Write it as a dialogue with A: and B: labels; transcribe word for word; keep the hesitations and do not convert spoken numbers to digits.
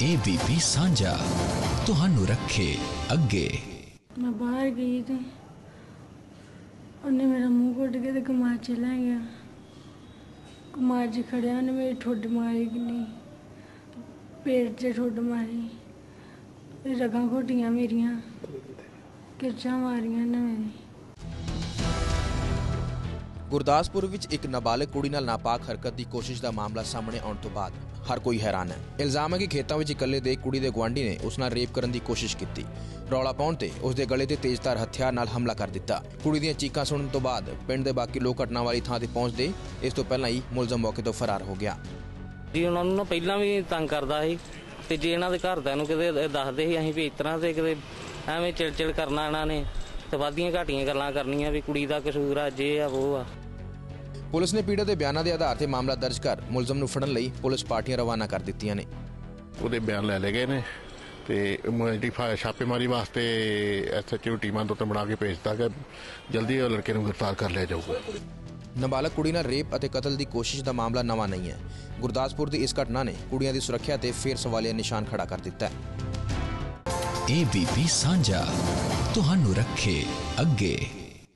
A: ABP सांझा तुहानू रखे अगे।
B: मैं बाहर गई थी, उन्हें मेरा मुंह घुट के तो कमार च लै गया। कमार च खड़िया उन्हें मेरी ठुड मारी कि नहीं, पेट च ठुड मारी, रगां घोटियां मेरियां, किरचां मारियां ने मेरी।
C: गुरदासपुर विच एक नाबालिग कुड़ी नाल नापाक हरकत की कोशिश का मामला सामने आने तो बाद हर कोई हैरान है। इल्जाम है कि खेतों में इकल्ले दे कुड़ी दे गुआंढी ने उस नाल रेप करने की कोशिश की। रौला पाउण ते उसके गले ते तेजधार हथियार नाल हमला कर दिता। कुड़ी दीयां चीकां सुनने तो बाद पिंड दे बाकी लोग घटना वाली थां ते पहुंचदे इस तो पहलां ही मुलजम मौके तो फरार हो गया।
D: जी उन्हां नूं पहलां भी तंग करदा सी ते जे इन्हां दे घरदिआं नूं किते दसदे सी असीं भी इस तर੍ਹਾਂ ते किते ਐਵੇਂ चिड़-चिड़ करना इन्हां ने ते वाधियां घाटियां गल्लां करनियां भी कुड़ी दा कसूर आ जे आ वो आ।
C: पुलिस ने पीड़ित के बयानों के आधार पर मामला दर्ज कर मुलजम नूं फड़न लई पुलिस पार्टियां रवाना कर दित्तियां ने।
E: ਉਹਦੇ ਬਿਆਨ ਲੈ ਲਏ ਗਏ ਨੇ ਤੇ ਜਿਹੜੀ ਛਾਪੇਮਾਰੀ ਵਾਸਤੇ ਐਸਐਚਓ ਟੀਮਾਂ ਤੋਂ ਬਣਾ ਕੇ ਭੇਜਤਾ ਕਿ ਜਲਦੀ ਉਹ ਲੜਕੇ ਨੂੰ ਗ੍ਰਿਫਤਾਰ ਕਰ ਲਿਆ ਜਾਊਗਾ।
C: ਨਾਬਾਲਗ ਕੁੜੀ ਨਾਲ ਰੇਪ ਅਤੇ ਕਤਲ ਦੀ ਕੋਸ਼ਿਸ਼ ਦਾ ਮਾਮਲਾ ਨਵਾਂ ਨਹੀਂ ਹੈ। ਗੁਰਦਾਸਪੁਰ ਦੀ ਇਸ ਘਟਨਾ ਨੇ ਕੁੜੀਆਂ ਦੀ ਸੁਰੱਖਿਆ ਤੇ ਫੇਰ ਸਵਾਲੀਆ ਨਿਸ਼ਾਨ ਖੜਾ ਕਰ ਦਿੱਤਾ ਹੈ।
A: एबीपी सांझा तुहानू रखे अगे।